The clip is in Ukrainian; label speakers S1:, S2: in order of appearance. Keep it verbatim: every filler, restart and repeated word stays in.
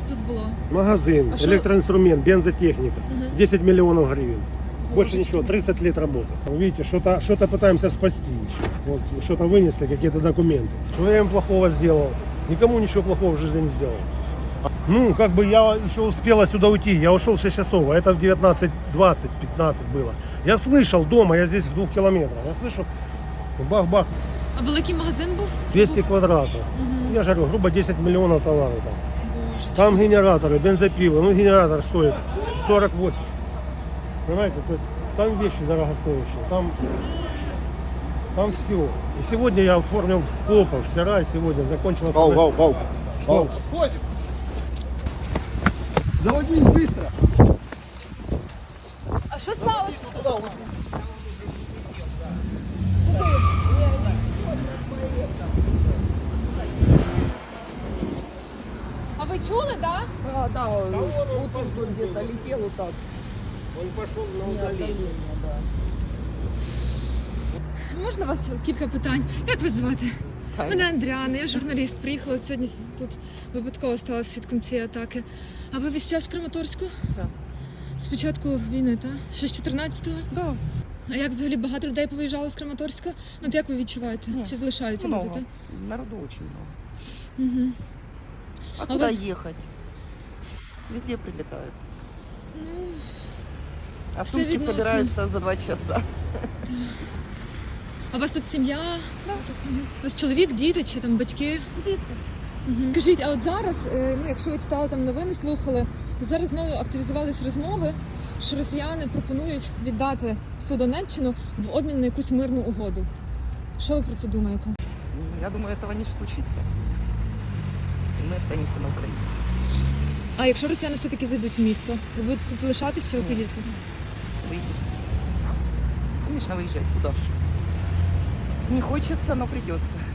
S1: тут було?
S2: Магазин,
S1: А що-
S2: электроинструмент, бензотехника.
S1: Мгм.
S2: десять миллионов гривен. Больше
S1: Божечки.
S2: ничего, тридцать лет работы. Видите, что-то что пытаемся спасти еще. Вот что-то вынесли, какие-то документы. Что я им плохого сделал? Никому ничего плохого в жизни не сделал. Ну, как бы я еще успела сюда уйти. Я ушел в шесть часов, а это в девятнадцать двадцать, пятнадцать было. Я слышал дома, я здесь в двух километрах. Я слышу, бах-бах,
S1: А великий магазин був?
S2: двести квадратов. Я же говорю, грубо десять миллионов товаров там.
S1: Боже.
S2: Там генераторы, бензопилы. Ну, генератор стоит сорок восемь. Понимаете, то есть там вещи дорогостоящие, там, там все. И сегодня я оформил ФОПа, вчера и сегодня закончил.
S3: Вау, вау, вау.
S2: Что?
S3: Вау. Отходим. Заводи их быстро.
S1: А що сталося?
S3: Туда, вот.
S1: А ви чули, так?
S4: А, да, вот он где-то летел вот так.
S2: Он пошел на
S4: Не
S2: удаление.
S4: отдаление, да.
S1: Можна вас кілька питань? Як вас звати? Мене Андріана, я журналіст. Приїхала от сьогодні тут випадково стала свідком цієї атаки. А ви весь час в Краматорську?
S4: Так.
S1: З початку війни, так? Ще з чотирнадцятого?
S4: Да,
S1: А як взагалі багато людей повиїжджало з Краматорська? Ну, от як ви відчуваєте?
S4: Ні,
S1: Чи залишаються люди,
S4: много.
S1: так?
S4: Народу очень много.
S1: Угу.
S4: А,
S1: А
S4: куда
S1: вот-
S4: ехать? Везде прилетают. А
S1: все
S4: сумки
S1: відносно.
S4: собираются за два часа.
S1: А у вас тут сім'я?
S4: Да.
S1: У вас чоловік, діти чи там батьки?
S4: Діти.
S1: Угу. Скажіть, а от зараз, е, ну якщо ви читали там новини, слухали, то зараз знову активізувалися розмови, що росіяни пропонують віддати всю Донеччину в обмін на якусь мирну угоду. Що ви про це думаєте?
S4: Ну, я думаю, этого не случится. И мы останемся на Украине.
S1: А якщо росіяни все-таки зайдуть в місто, ви будете тут залишатися чи
S4: Ні.
S1: поїдете?
S4: Выйдем. Конечно, выезжать. Куда ж? Не хочется, но придется.